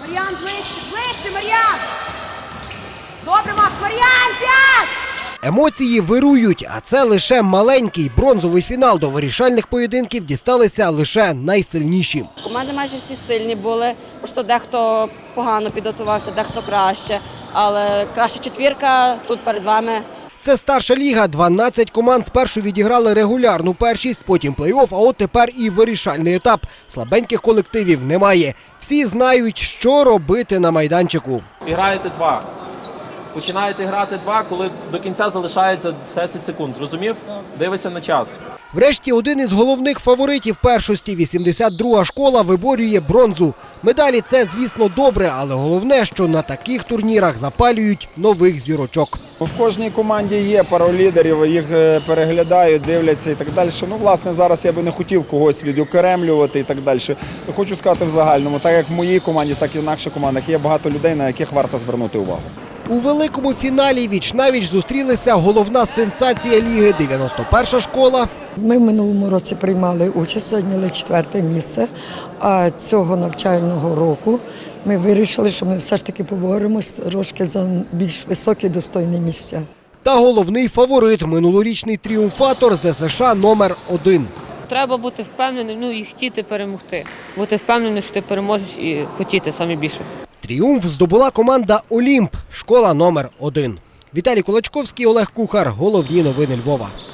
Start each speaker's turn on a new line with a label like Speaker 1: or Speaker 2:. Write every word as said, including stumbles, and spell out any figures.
Speaker 1: Мар'ян, ближче, ближче, Мар'ян! Добре, Макс, Мар'ян, п'ять!
Speaker 2: Емоції вирують, а це лише маленький бронзовий фінал. До вирішальних поєдинків дісталися лише найсильніші.
Speaker 3: Команди майже всі сильні були, просто дехто погано підготувався, дехто краще. Але краща четвірка тут перед вами.
Speaker 2: Це старша ліга. дванадцять команд спершу відіграли регулярну першість, потім плей-офф, а от тепер і вирішальний етап. Слабеньких колективів немає. Всі знають, що робити на майданчику.
Speaker 4: Граєте два. Починаєте грати два, коли до кінця залишається десять секунд. Зрозумів? Дивися на час.
Speaker 2: Врешті один із головних фаворитів першості – вісімдесят друга школа виборює бронзу. Медалі – це, звісно, добре, але головне, що на таких турнірах запалюють нових зірочок.
Speaker 5: В кожній команді є пару лідерів, їх переглядають, дивляться і так далі. Ну, власне, зараз я би не хотів когось відокремлювати і так далі. Хочу сказати в загальному, так як в моїй команді, так і в наших командах є багато людей, на яких варто звернути увагу.
Speaker 2: У великому фіналі віч-навіч зустрілися головна сенсація ліги – дев'яносто перша школа.
Speaker 6: Ми в минулому році приймали участь, зайняли четверте місце, а цього навчального року ми вирішили, що ми все ж таки поборемось трошки за більш високі достойні місця.
Speaker 2: Та головний фаворит – минулорічний тріумфатор зе ес ша номер один.
Speaker 7: Треба бути впевненим, ну і хотіти перемогти. Бути впевненим, що ти переможеш і хотіти саме більше.
Speaker 2: Тріумф здобула команда «Олімп», школа номер один. Віталій Кулачковський, Олег Кухар. Головні новини Львова.